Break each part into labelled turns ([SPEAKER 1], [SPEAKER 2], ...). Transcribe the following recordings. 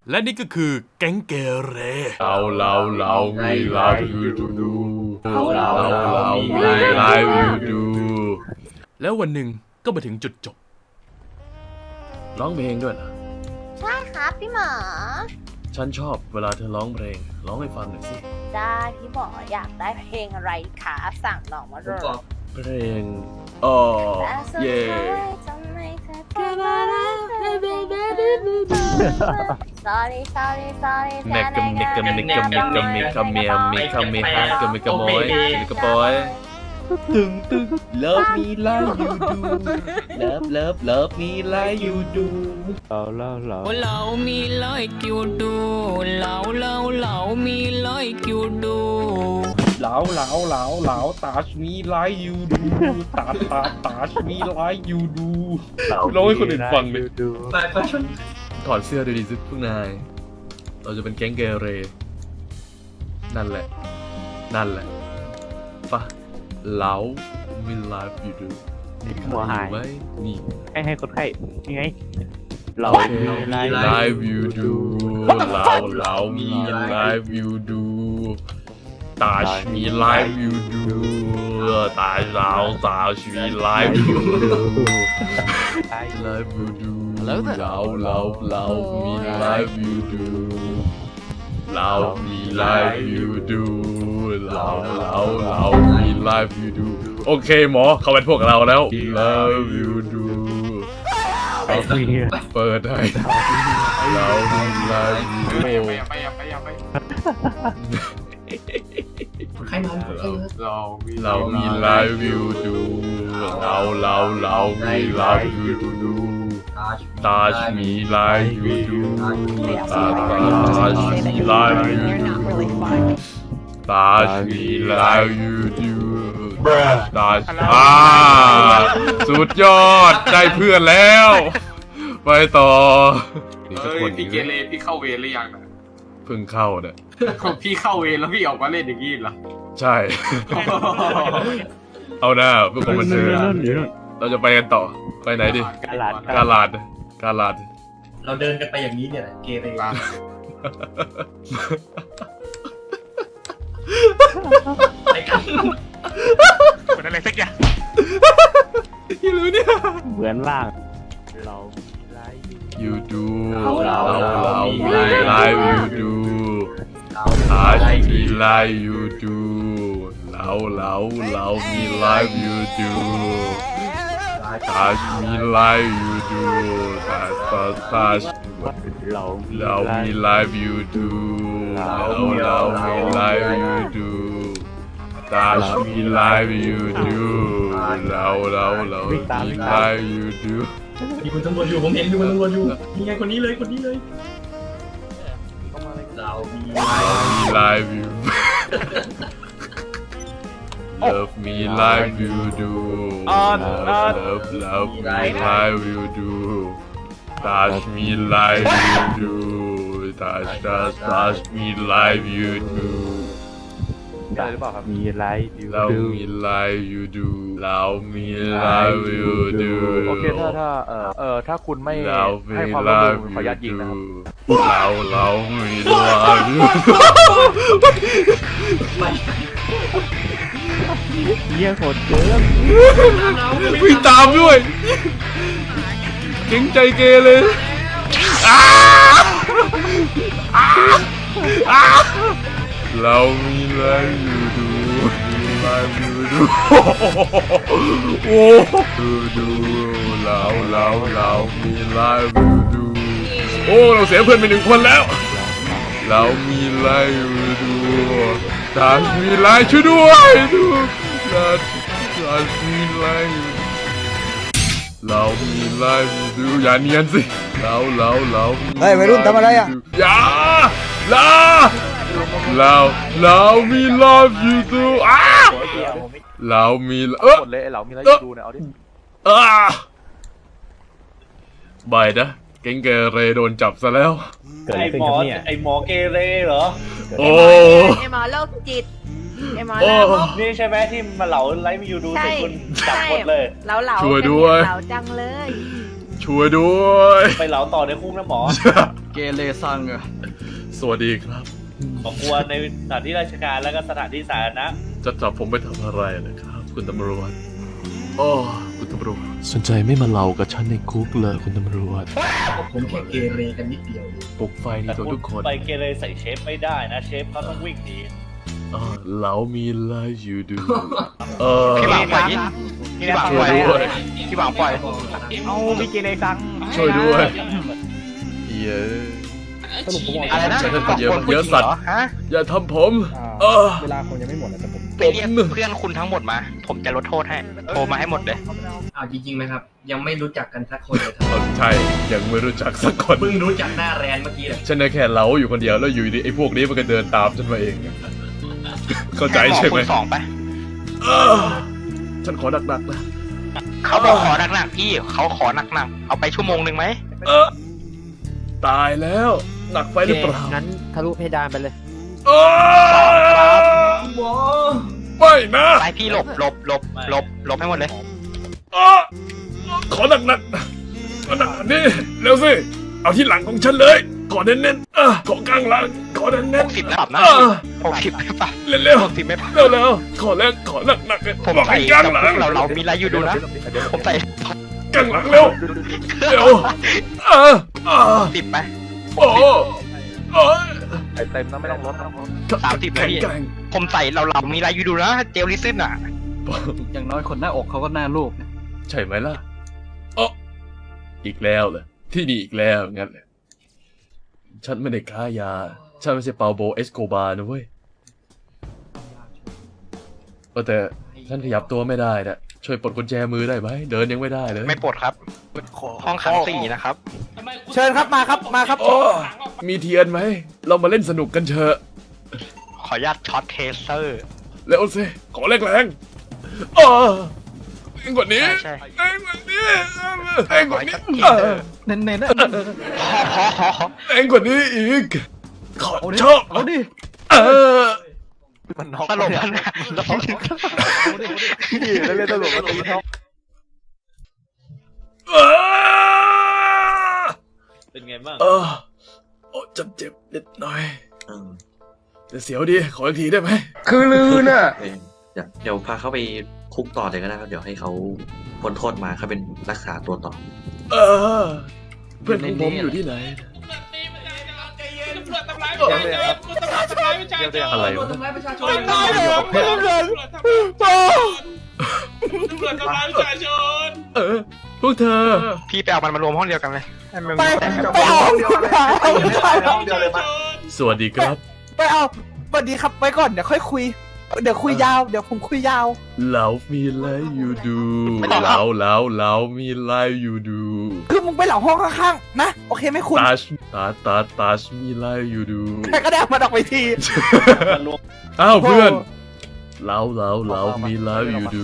[SPEAKER 1] และนี่ก็คือแก๊งเกเร
[SPEAKER 2] เรามีไลฟ์ยูดูเรามีไลฟ์ยูดู
[SPEAKER 1] แล้ววันหนึ่งก็มาถึงจุดจบร้องเพลงด้วยนะ
[SPEAKER 3] ใช่ครับพี่หมอ
[SPEAKER 1] ฉันชอบเวลาเธอร้องเพลงร้องให้ฟังหน่อยสิ
[SPEAKER 3] ได้พี่หมออยากได้เพลงอะไรคะสั่งน้องมาเลย
[SPEAKER 1] เพลงอ๋อ
[SPEAKER 3] แต่สุด
[SPEAKER 1] เย่
[SPEAKER 3] ท้ายทำไมเธอทำอะไร sorry
[SPEAKER 1] เมกะเมกะเมกะเมกะเมกะเมียเมกะเมฮะกะเมกะมอยเมกะปอย
[SPEAKER 2] ตึงเลิฟมีไลฟ์ยูดูเลิฟมีไลฟ์ยูดู
[SPEAKER 4] เรามีไลค์อยู่ดูเรามีไลค์อยู่ดู
[SPEAKER 2] เหลาตาชมีไลฟ์ยูดูตาชมีไลฟ์ยูดูร้องให้คนอื่นฟังเลยถอดเสื้อดูดิสิพวกนายเราจะเป็นแก๊งเกเรนั่นแหละปะเหลามีไลฟ์ยูดู
[SPEAKER 5] หัวหาย
[SPEAKER 2] ไหมนี่
[SPEAKER 5] ให้คนไข้ยังไง เรา
[SPEAKER 2] ไลฟ์ยูดูเรามีไลฟ์ยูดูตาชมีไลฟ์ยูดูตาชมีไลฟ์ยูดูไลฟ์ยูดูเรามีไลฟ์ยูดูเรามีไลฟ์ยูดูเรามีไลฟ์ยูดูโอเคหมอเขาเป็นพวกเราแล้วไลฟ์ยูดูเปิดให้เรามีไลฟ์ยูดูเรามีไลฟ์ยูดูเรามีไลฟ์ยูดูตาชมีไลฟ์ยูดูตาชมีไลฟ์ยูดูตาชมีไลฟ์ยูดูตาสุดยอดได้เพื่อนแล้วไปต่อนี่สักคน
[SPEAKER 6] พี่เกเรพี่เข้าเวรหรือยังนะ
[SPEAKER 2] เพิ่งเข้าเนี่ย
[SPEAKER 6] พี่เข้าเวรแล้วพี่ออกมาเล่นอย่างนี้เหรอ
[SPEAKER 2] ใช่ เอาหน้าเพื่อความบันเทิงเราจะไปกันต่อไปไหนดิ
[SPEAKER 5] กาลาด
[SPEAKER 2] กาลาด
[SPEAKER 7] เราเดินกันไปอย่างนี้เนี่ยแหละเกเร ไปกัน
[SPEAKER 5] เหมือนอะไรสักอย่าง
[SPEAKER 2] ยี่รู้เนี่ย
[SPEAKER 5] เหมือนล่างเราไลฟ์
[SPEAKER 2] ยูดูเรามีไลฟ์ยูดูอาชีมีไลฟ์ยูดูเรามีไลฟ์ยูดูอาชีมีไลฟ์ยูดูตาเรามีไลฟ์ยูดูเรามีไลฟ์ยูดูตาชมีไลฟ์ยูดูเรามีไลฟ์ยูดู
[SPEAKER 7] มีคุณตำรวจอยู่ผมเห็นมีคุณตำรวจอยู่นี่ไงคนนี้เลยเรามี
[SPEAKER 2] live you love me live you do love me live you do touch me live you do touch me live you do
[SPEAKER 5] ได้หรือเปล่าครับมีไลฟ์อยู่
[SPEAKER 2] เรามีไลฟ์ยูดูเรามีไลฟ์ยูดู
[SPEAKER 8] โอเคถ้าคุณไม่
[SPEAKER 2] เรามี
[SPEAKER 8] ให้ความ
[SPEAKER 2] ไล
[SPEAKER 8] ร่วม
[SPEAKER 2] ฟ์
[SPEAKER 8] มือขออนุญาตยิงนะครับ
[SPEAKER 2] เรามีไลฟ์ยูดู
[SPEAKER 5] เยี่ยโคตรเกิน
[SPEAKER 2] วิ่งตามด้วยเก่งใจเกเลยเรามีไลฟ์ยูดูไลฟ์ยูดูโอ้ดูเรามีไลฟ์ยูดูโอ้เราเสียเพื่อนไป1 คนแล้วเรามีไลฟ์ยูดูตามีไลฟ์ช่วยด้วยดูตามีไลฟ์เรามีไลฟ์ยูดูอย่าเนียนสิเราเฮ้ยวัยรุ่นทำอะไรอ่ะอย่าเรามีไลฟ์ยูดูเรามี
[SPEAKER 8] หมดเลยไอ้เหล่ามีอะไรอยู่ดูเนี่ยเอาดิ
[SPEAKER 2] บายนะเก่งเกเรโดนจับซะแล้ว
[SPEAKER 5] เกิดอะไรขึ้นครับเนี่ย
[SPEAKER 7] ไอหมอเกเรเหรอ
[SPEAKER 2] โอ้
[SPEAKER 3] ไอหมอโรคจิตไอหมอ
[SPEAKER 2] โอ้
[SPEAKER 3] ลามก
[SPEAKER 7] นี่ใช่ไหมที่มาเหลาไลฟ์ยูดู
[SPEAKER 3] ใช่
[SPEAKER 7] ใส่คุณจับหมดเลย
[SPEAKER 3] เหลา
[SPEAKER 2] ช่วยด้วย
[SPEAKER 3] เหลาจังเลย
[SPEAKER 2] ช่วยด้วย
[SPEAKER 7] ไปเหลาต่อในคุกนะหมอ เก
[SPEAKER 9] เรซังอะ
[SPEAKER 1] สวัสดีครับ
[SPEAKER 5] ของกวนในสถานที่ราชการแล้วก็สถานที่สาธารณะ
[SPEAKER 1] จะจับผมไปทำอะไรนะครับ คุณตำรวจโอ้คุณตำรวจสนใจไม่มาเล่ากับฉันในคุกเลยคุณตำรวจ
[SPEAKER 7] ผมแค่เกเรกันนิดเดียว
[SPEAKER 1] ปลุกไฟใน
[SPEAKER 5] แต่
[SPEAKER 1] ตัว
[SPEAKER 5] คุณ
[SPEAKER 1] ทุกคน
[SPEAKER 5] ไปเกเรใส่เชฟไม่ได้นะเชฟเขาต้องวิ่งหนี
[SPEAKER 1] เรามีอะไรอยู่ดู
[SPEAKER 9] พี่หวังปล่อยพี่หวังปล่อย
[SPEAKER 1] ช่วยด้วย
[SPEAKER 9] พี่หวังปล่อย
[SPEAKER 5] เอาพี่เกเรซัง
[SPEAKER 1] ช่วยด้วยเย้
[SPEAKER 9] อะไรนะ
[SPEAKER 1] ฉันเป็นเยอะสัตว์
[SPEAKER 9] ฮะ
[SPEAKER 1] อย่าทำผม
[SPEAKER 5] เวลาคงยังไม่หมดนะแต่ผม
[SPEAKER 9] ไปเรียกเพื่อนคุณทั้งหมดมา ผมจะลดโทษให้โทรมาให้หมดเลย
[SPEAKER 7] เอาจริงๆนะครับ ยังไม่รู้จักกันสักคนเลยครับ
[SPEAKER 1] ใช่ ยังไม่รู้จักสักคน
[SPEAKER 7] เพิ่งรู้จักหน้าแรนเมื่อกี้เลย
[SPEAKER 1] ฉันแค่เล้าอยู่คนเดียวแล้วอยู่ดีไอ้พวกนี้มันก็เดินตามฉันมาเอง เข้าใจใช่ไหม
[SPEAKER 9] คุณสองไป
[SPEAKER 1] ฉันขอหนักๆนะ
[SPEAKER 9] เขาบอกขอหนักๆพี่เขาขอหนักๆเอาไปชั่วโมงหนึ่งไหม
[SPEAKER 1] ตายแล้วหนักไปหรือเปล่า
[SPEAKER 5] งั้นทะลุเพดานไปเลย
[SPEAKER 1] ไม่นะ
[SPEAKER 9] ไปพี่หลบให้หมดเลย
[SPEAKER 1] ขอหนักๆขอหนักนี่เร็วสิเอาที่หลังของฉันเลย ขอเน้นๆขอกลางหลังขอเน้นๆ
[SPEAKER 9] 60ไม่ปรับนะ60ไม่ปรับ
[SPEAKER 1] เร็ว
[SPEAKER 9] 60ไม่ปรับ
[SPEAKER 1] ๆเร็วๆขอแล้วขอหนักๆ
[SPEAKER 9] ผม
[SPEAKER 1] บอก
[SPEAKER 9] ใส่
[SPEAKER 1] ให้กลางหลัง
[SPEAKER 9] เรามีอะไรอยู่ดูนะ ผมใส่
[SPEAKER 1] กลางหลังเร็วเร็ว
[SPEAKER 9] 10ไป
[SPEAKER 1] โอ้
[SPEAKER 8] เต็มนะไม่ต้องลดนะ
[SPEAKER 9] 30เลยพี่
[SPEAKER 1] แข็ง
[SPEAKER 9] ผมใส่เรามีอะไรอยู่ดูนะเจลลิซึนอ่ะ
[SPEAKER 1] อย่างน้อยคนหน้าอกเขาก็หน้าลูกใช่ไหมล่ะอีกแล้วเหรอที่นี่อีกแล้วงั้นเลยฉันไม่ได้ค้ายาฉันไม่ใช่เปาโบเอสโกบาร์นะเว้ยแต่ฉันขยับตัวไม่ได้นะช่วยปลดกุญแจมือได้ไหมเดินยังไม่ได้เลย
[SPEAKER 9] ไม่ปลดครับ ห้องขัง4นะครับ
[SPEAKER 5] เชิญครับมาครับ
[SPEAKER 1] โอ้มีเทียนไหมเรามาเล่นสนุกกันเถอะ
[SPEAKER 9] ขออนุญาตช็อตเทเซอร์
[SPEAKER 1] เร็วสิขอแรงแรงแรงกว่านี้
[SPEAKER 9] ใช่
[SPEAKER 1] แรงกว่านี้แรงกว่านี้
[SPEAKER 9] เน้นๆนะพอ
[SPEAKER 1] แรงกว่านี้อีกขอชอบเอาดิ
[SPEAKER 8] มันน็อก
[SPEAKER 9] ตลกมัน
[SPEAKER 8] แล้วเล่นตลกก็ตีท็อป
[SPEAKER 5] เป็นไงบ้าง
[SPEAKER 1] โอ้เจ็บนิดหน่อยแต่เสียวดีขออีกทีได้ไหม
[SPEAKER 8] คือลือน่ะ
[SPEAKER 10] เดี๋ยวพาเขาไปคุกต่อเลยก็ได้ครับเดี๋ยวให้เขาพ้นโทษมาเขาเป็นรักษาตัวต่อ
[SPEAKER 1] เพื่อนของผมอยู่ที่ไหนอะไรวะพวกเธอ
[SPEAKER 9] พี่ไปเอามันมารวมห้องเดียวกันเลย
[SPEAKER 5] ไปเอาเดียวเลยปะ
[SPEAKER 1] สวัสดีครับ
[SPEAKER 5] ไปเอาสวัสดีครับไว้ก่อนเดี๋ยวค่อยคุยเดี๋ยวคุยยาวเดี๋ยวผมคุยยาว
[SPEAKER 1] เรามีอะไรอยู่ดูเรามีอะไรอยู่ดู
[SPEAKER 5] คือมึงไปเหล่าห้องข้างๆนะโอเคไหมคุณ
[SPEAKER 1] ตาชมีอะไรอยู่ดู
[SPEAKER 5] ใครก็ได้มาดอกไปที
[SPEAKER 1] อ้าวเพื่อนเรามีอะไรอยู่ดู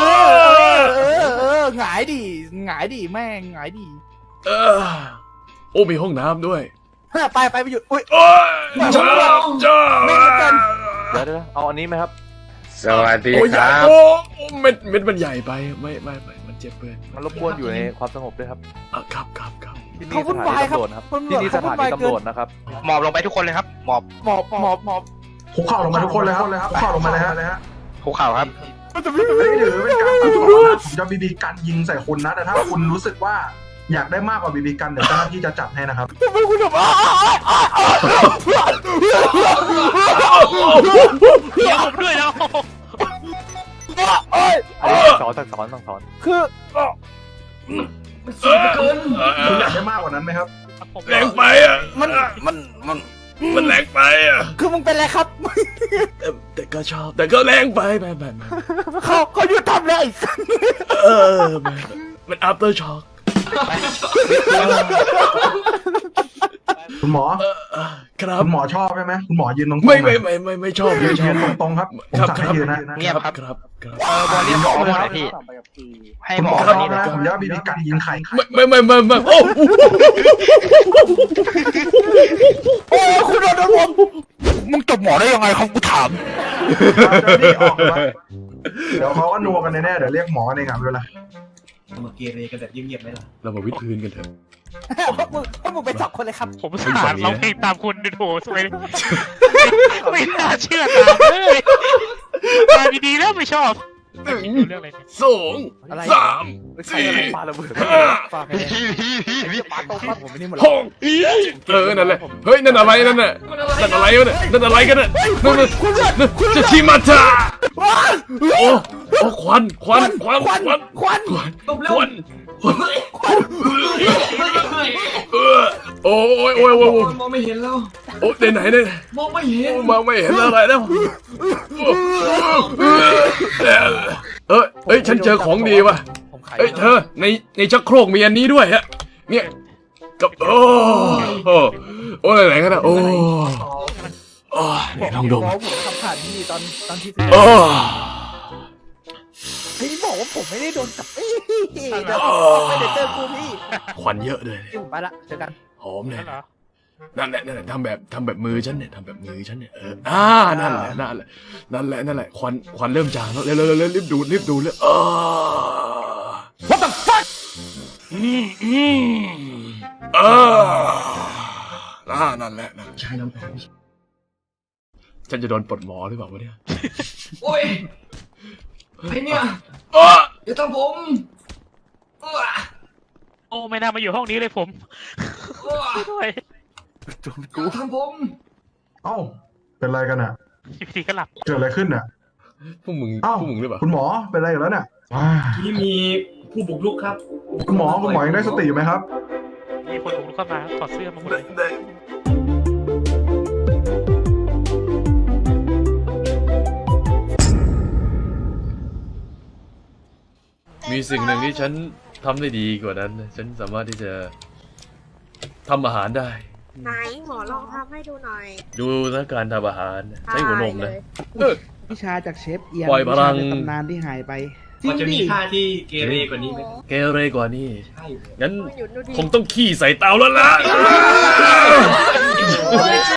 [SPEAKER 5] หงายดิแม่งหงายดิ
[SPEAKER 1] โอ้มีห้องน้ำด้วย
[SPEAKER 5] ไปอยู่อุ้ย
[SPEAKER 1] โอ้ยจ้า
[SPEAKER 5] ไม่เหมือนกัน
[SPEAKER 8] เดี๋ยวเอาอันนี้ไหมครับ
[SPEAKER 2] สวัสดี
[SPEAKER 1] โอ้ย
[SPEAKER 2] ครับ
[SPEAKER 1] โอ้เม็ดมันใหญ่ไปไม่มันเจ็บเพื่อน
[SPEAKER 8] มันรบกวนอยู่ในความสงบด้วยครับ
[SPEAKER 1] ครับ
[SPEAKER 8] ที่นี่สถานีตำรวจครับที่นี่สถานีตำรวจนะครับ
[SPEAKER 9] หมอบลงไปทุกคนเลยครับหมอบ
[SPEAKER 5] หมอบ
[SPEAKER 7] คุกเข่าลงมาทุกคนเลยครับคุกเข่าลงมาเลยฮะ
[SPEAKER 9] ภูเขาครับ
[SPEAKER 7] ไม่ถือเป็นการตัดต่อนะผมจะบีบีกันยิงใส่คุณนะแต่ถ้าคุณรู้สึกว่าอยากได้มากกว่าบีบีกันเดี๋ยวเจ้าหน้าที่จะจัดให้นะครับ
[SPEAKER 5] ทำไมคุณแบบ
[SPEAKER 9] เดี๋ยวผมด้วยนะ
[SPEAKER 8] สั่งสอน
[SPEAKER 5] คือ
[SPEAKER 7] คุณอยากได้มากกว่านั้นไหมครับ
[SPEAKER 1] แรงไปอ่ะมันแรงไปอ่ะ
[SPEAKER 5] คือมึงเป็นอะไรครับ
[SPEAKER 1] แต่ก็ชอบแต่ก็แรงไปไป
[SPEAKER 5] เขาหยุดทำเลย
[SPEAKER 1] มัน after shock
[SPEAKER 7] คุณหมอ
[SPEAKER 1] ครับ
[SPEAKER 7] คุณหมอชอบใช่ไหมคุณหมอยืนตรงๆ
[SPEAKER 1] ไม่ชอบ
[SPEAKER 7] ยืนตรงๆครับผมสั่งให้ยืนนะ
[SPEAKER 9] เงียบครับ
[SPEAKER 1] ครับ
[SPEAKER 9] บอลเรียกหมอมาหน่อยพี่ให้
[SPEAKER 7] คุณ
[SPEAKER 9] ห
[SPEAKER 7] ห
[SPEAKER 9] ม
[SPEAKER 7] ม
[SPEAKER 9] อ
[SPEAKER 7] อ
[SPEAKER 9] มา
[SPEAKER 7] ชอบ
[SPEAKER 9] นี่เลย
[SPEAKER 7] นะผมจะบีบีกันยิงไข่
[SPEAKER 1] ไม่โอ้
[SPEAKER 5] โอ้คุณโดนผมมึงจบหมอได้ยังไงครับกูถาม
[SPEAKER 7] นี่ออกมาเดี๋ยวเขาก็นัวกันแน่ๆเดี๋ยวเรียกหมอเองครับเวลา
[SPEAKER 5] มาเกเรกันแบบเงียบๆไหมล่ะ
[SPEAKER 1] เรามาวิดพื้นกันเถอะ
[SPEAKER 5] พวกมึงเป็น2 คนเลยครับ
[SPEAKER 9] ผมสาดร้องเพลงตามคุณดูโถสวยเลยไม่น่าเชื่อตามเลยมาดีๆแล้วไม่ชอบ
[SPEAKER 1] หนึ่ง
[SPEAKER 9] ดูเรื่องอะไรเนี่ย
[SPEAKER 1] สองสาม
[SPEAKER 8] ใคร
[SPEAKER 1] สี่
[SPEAKER 8] อะไรปาระเบิด
[SPEAKER 1] ห้า
[SPEAKER 8] ปาไปเลยปาตรงปาผมไม่นี่หมด
[SPEAKER 1] หกนั่นแหละเฮ้ยนั่นอะไรนั่นน่ะนั่นอะไรวะเนี่ยนั่นอะไรกันน่ะนั่นจะชิมาตาโอ้ควันโอ้ยมองไม่เห็นแล้วโอ้ไหนมองไม่เห็นอะไรแล้วเอ้ยฉันเจอของดีว่ะเอ้ยเธอในชักโครกมีอันนี้ด้วยฮะเนี่ยกับโอ้ไหนกันนะโอ้ไหนลองดม
[SPEAKER 5] ผมทำผ่านที่ตอนที่
[SPEAKER 1] โอ้
[SPEAKER 5] พี่บอกว่าผมไม่ได้โดนจับเดี๋ยวไม่ได้เจอกูพี่
[SPEAKER 1] ควันเยอะเลย
[SPEAKER 5] ผมไปละเจอกัน
[SPEAKER 1] หอมเลย
[SPEAKER 9] เหรอ
[SPEAKER 1] นั่นแหละทำแบบมือฉันเนี่ยทำแบบมือฉันเนี่ยนั่นแหละควันเริ่มจางแล้วเร็วรีบดูเลยWhat the fuck นั่นแหละใช่น้ำแข็งฉันจะโดนปลดหมอหรือเปล่าวะเนี่ยโอ้ยไอเนี่ยอย่าทำผม
[SPEAKER 9] โอ้ไม่น่ามาอยู่ห้องนี้เลยผมด้วย
[SPEAKER 8] จนกู
[SPEAKER 1] ทำผม
[SPEAKER 7] เอ้าเป็นไรกันอ่ะ
[SPEAKER 9] อยู่ดีก็หลับ
[SPEAKER 7] เกิดอะไรขึ้นอ่ะ
[SPEAKER 1] พวกมึง
[SPEAKER 7] เอ้า
[SPEAKER 1] หรือเปล่า
[SPEAKER 7] คุณหมอเป็นไรอยู่แล้วเนี่ย
[SPEAKER 5] ที่มีผู้บุกรุกครับ
[SPEAKER 7] คุณหมอยังได้สติอยู่ไหมครับ
[SPEAKER 9] มีคนบุกรุกเข้ามาถอดเสื้อมาหมดเลย
[SPEAKER 1] มีสิ่งหนึ่งที่ฉันทำได้ดีกว่านั้นฉันสามารถที่จะทำอาหารได้
[SPEAKER 3] ไหนหมอลองทำให้ดูหน่อย
[SPEAKER 1] ดูนะการทำอาหารใช้หัวนมนะ
[SPEAKER 5] วิชาจากเชฟเอียน
[SPEAKER 1] ปล่อยพลัง
[SPEAKER 5] วิชาในตำนานที่หายไป
[SPEAKER 6] มันจะมีท่าที่เกเรกว่านี้ไหม
[SPEAKER 1] เกเรกว่านี้
[SPEAKER 6] ใช่
[SPEAKER 1] งั้น
[SPEAKER 3] หยุดดูดิ
[SPEAKER 1] คงต้องขี้ใส่เตาแล้วล่ะ